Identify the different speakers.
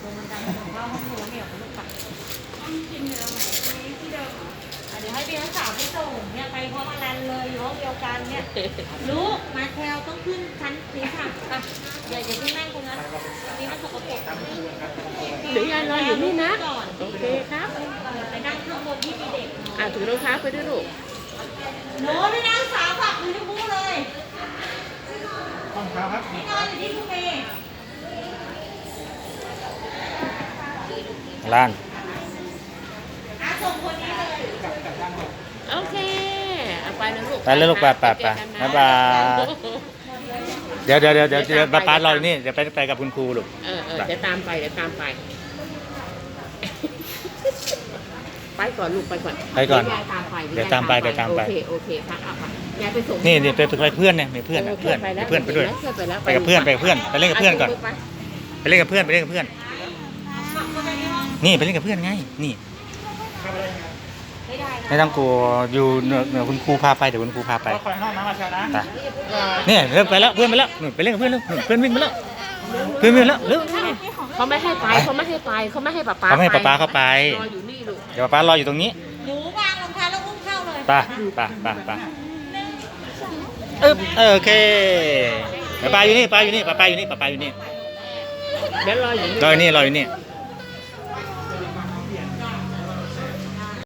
Speaker 1: ลงบันไดถึงเข้าห้องโถงเนี่ยคุณลูกปัดกินอยู่ตรงไหนที่เดิมเหรอเดี๋ยวให้พี่นักสาวไปส่งเนี่ยไปพร้อมอลันเลยอยู่ห้องเดียวกันเนี่ยลูกมาแถวต้องขึ้นชั้นสีค่ะอ่ะอย่าเพิ่งนั่งตรงนั้นนี่มันสกปรก
Speaker 2: เดี๋ยวยายรออยู่นี่นะโอเคครับ
Speaker 1: ไปนั่งข้างบนที่มีเด็ก
Speaker 2: ถือรองเท้าไปด้วยลูก
Speaker 1: หนูพี่นักสาวฝากมือที่พูเลย
Speaker 3: ห้องเท้าครับ
Speaker 1: นี่นอนอยู่ที่คุณเมย์
Speaker 3: ล้าน
Speaker 1: ส่งคนนี้เลย
Speaker 2: โอเคเอาไปนะลูก
Speaker 3: ไปเลยลูกไปบ๊ายบายเดี๋ยวป้ารออยู่นี่เดี๋ยวไปกับคุณครูลูก
Speaker 2: เดี๋ยวตามไปไปก่อนลูกไปก่อน
Speaker 3: ไปก่อน
Speaker 2: ยายตามไป
Speaker 3: เดี๋ยวตามไป
Speaker 2: โอเคครับเอาไปยายไปส่ง
Speaker 3: นี่ไปเพื่อนเนี่ยมีเพื่อนไปด้วยไปกับเพื่อนไปเล่นกับเพื่อนก่อนไปเล่นกับเพื่อนนี่ไปเล่นกับเพื่อนไงนี่ไม่ต้องกลัวอยู่เหนือคุณครูพาไปเดี๋ยวคุณครูพาไปคอยห้องน้ำมาเช้านะนี่เริ่มไปแล้วเพื่อนไปแล้วไปเล่นกับเพื่อนแล้วเพื่อนวิ่งไปแล้วเพื่อนวิ่งแล้วเร็ว
Speaker 2: เขาไม่ให้ไปเขาไม่ให้ป๊าป๊า
Speaker 3: เขาไม่ให้ป๊าเข้าไป
Speaker 2: รออยู่นี่ลูก
Speaker 3: เดี๋ยวป๊ารออยู่ตรงนี้
Speaker 1: หนูวางรองเท้าแล้วอุ้มเข้าเลย
Speaker 3: ไปโอเคป้าอยู่นี่ป้าอยู่นี่
Speaker 2: เดี๋ยวรออยู่นี่
Speaker 3: รออยู่นี่